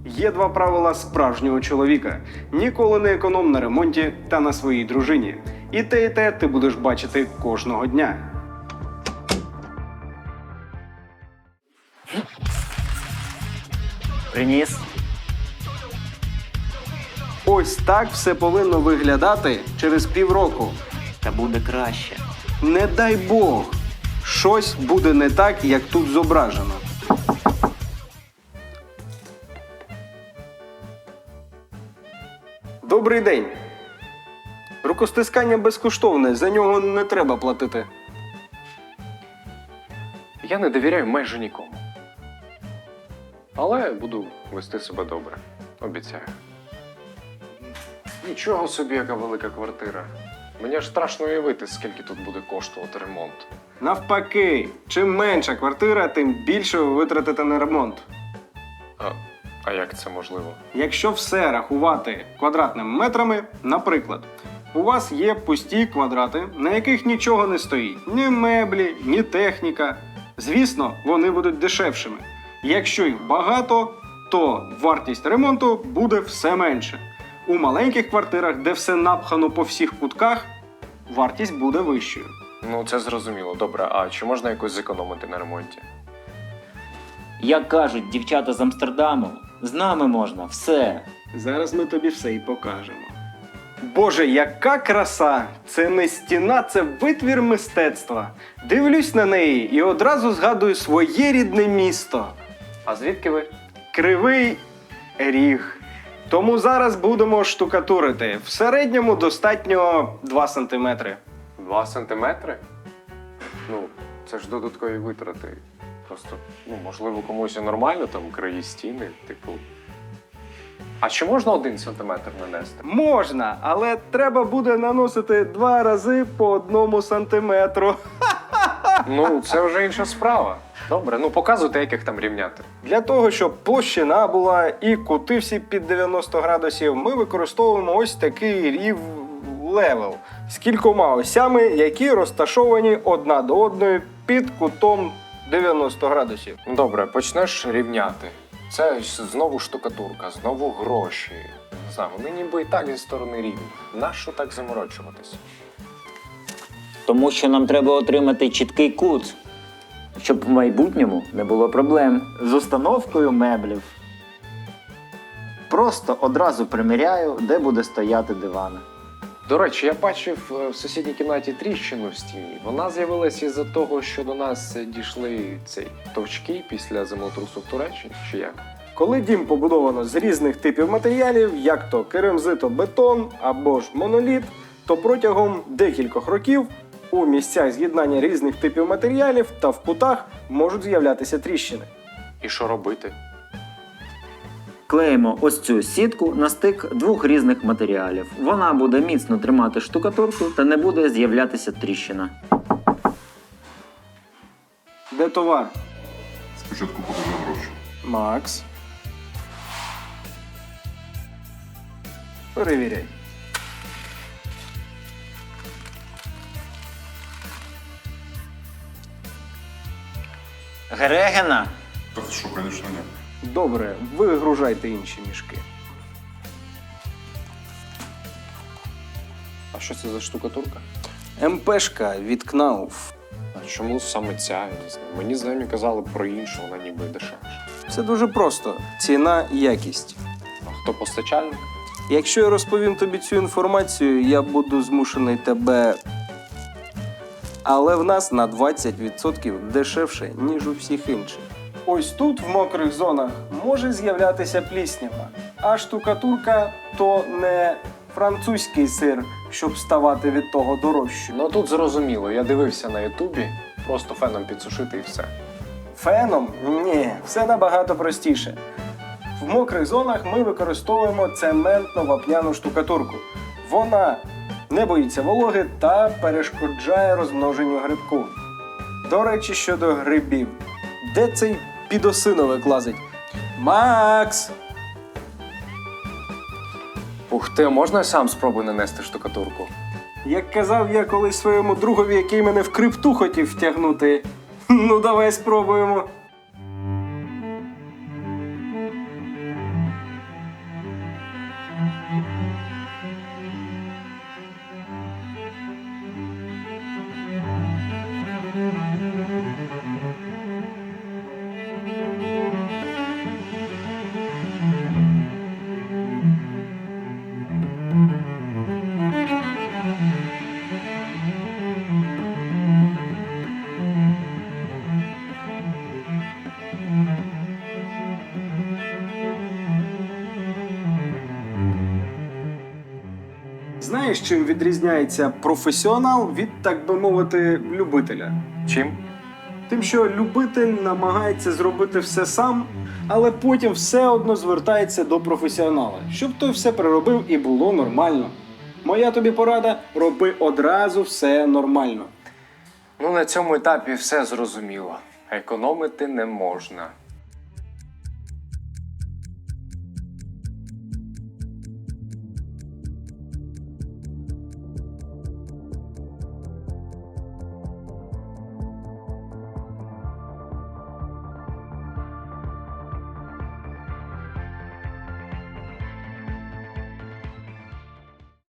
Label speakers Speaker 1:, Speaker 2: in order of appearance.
Speaker 1: Є два правила справжнього чоловіка. Ніколи не економ на ремонті та на своїй дружині. І те ти будеш бачити кожного дня.
Speaker 2: Приніс.
Speaker 1: Ось так все повинно виглядати через півроку.
Speaker 2: Та буде краще.
Speaker 1: Не дай Бог, щось буде не так, як тут зображено. Добрий день. Рукостискання безкоштовне, за нього не треба платити.
Speaker 3: Я не довіряю майже нікому. Але буду вести себе добре. Обіцяю. Нічого собі, яка велика квартира. Мені аж страшно уявити, скільки тут буде коштувати ремонт.
Speaker 1: Навпаки, чим менша квартира, тим більше ви витратите на ремонт.
Speaker 3: А як це можливо?
Speaker 1: Якщо все рахувати квадратними метрами, наприклад, у вас є пусті квадрати, на яких нічого не стоїть. Ні меблі, ні техніка. Звісно, вони будуть дешевшими. Якщо їх багато, то вартість ремонту буде все менше. У маленьких квартирах, де все напхано по всіх кутках, вартість буде вищою.
Speaker 3: Ну, це зрозуміло. Добре, а чи можна якось зекономити на ремонті?
Speaker 2: Як кажуть дівчата з Амстердаму, з нами можна все.
Speaker 1: Зараз ми тобі все і покажемо. Боже, яка краса! Це не стіна, це витвір мистецтва. Дивлюсь на неї і одразу згадую своє рідне місто.
Speaker 3: А звідки ви?
Speaker 1: Кривий Ріг. Тому зараз будемо штукатурити. В середньому достатньо 2 сантиметри.
Speaker 3: 2 сантиметри? Ну, це ж додаткові витрати. Просто, можливо, комусь і нормально, там, краї стіни, типу. А чи можна 1 сантиметр нанести?
Speaker 1: Можна, але треба буде наносити 2 рази по 1 сантиметру.
Speaker 3: Ну, це вже інша справа. Добре, показуйте, як їх там рівняти.
Speaker 1: Для того, щоб площина була і кути всі під 90 градусів, ми використовуємо ось такий рів-левел з кількома осями, які розташовані одна до одної під кутом 90 градусів.
Speaker 3: Добре, почнеш рівняти. Це знову штукатурка, знову гроші. Не знаю, вони ніби і так зі сторони рівні. Нащо так заморочуватися?
Speaker 2: Тому що нам треба отримати чіткий кут, щоб в майбутньому не було проблем з установкою меблів. Просто одразу приміряю, де буде стояти диван.
Speaker 3: До речі, я бачив в сусідній кімнаті тріщину в стіні. Вона з'явилася із-за того, що до нас дійшли товчки після землетрусу в Туреччині, чи як?
Speaker 1: Коли дім побудовано з різних типів матеріалів, як то керамзитобетон або ж моноліт, то протягом декількох років у місцях з'єднання різних типів матеріалів та в кутах можуть з'являтися тріщини.
Speaker 3: І що робити?
Speaker 2: Клеїмо ось цю сітку на стик 2 різних матеріалів. Вона буде міцно тримати штукатурку та не буде з'являтися тріщина.
Speaker 1: Де товар?
Speaker 4: Спочатку покажи гроші.
Speaker 1: Макс. Перевіряй.
Speaker 2: Грегена!
Speaker 4: Та що, звісно, ні.
Speaker 1: Добре, вигружайте інші мішки.
Speaker 3: А що це за штукатурка?
Speaker 1: МПшка від Knauf.
Speaker 3: А чому саме ця? Я не знаю. Мені знайомі казали про іншу, вона ніби дешевша.
Speaker 1: Все дуже просто. Ціна і якість.
Speaker 3: А хто постачальник?
Speaker 1: Якщо я розповім тобі цю інформацію, я буду змушений тебе... Але в нас на 20% дешевше, ніж у всіх інших. Ось тут, в мокрих зонах, може з'являтися пліснява. А штукатурка – то не французький сир, щоб ставати від того дорожче.
Speaker 3: Ну тут зрозуміло, я дивився на Ютубі, просто феном підсушити і все.
Speaker 1: Феном? Ні, все набагато простіше. В мокрих зонах ми використовуємо цементно-вапняну штукатурку. Вона не боїться вологи та перешкоджає розмноженню грибку. До речі, щодо грибів. Де цей підосиновик лазить? Макс!
Speaker 3: Ух ти, можна я сам спробую нанести штукатурку?
Speaker 1: Як казав я колись своєму другові, який мене в крипту хотів втягнути. Ну, давай спробуємо. Знаєш, чим відрізняється професіонал від, так би мовити, любителя?
Speaker 3: Чим?
Speaker 1: Тим, що любитель намагається зробити все сам, але потім все одно звертається до професіонала, щоб той все переробив і було нормально. Моя тобі порада – роби одразу все нормально.
Speaker 3: Ну, на цьому етапі все зрозуміло. Економити не можна.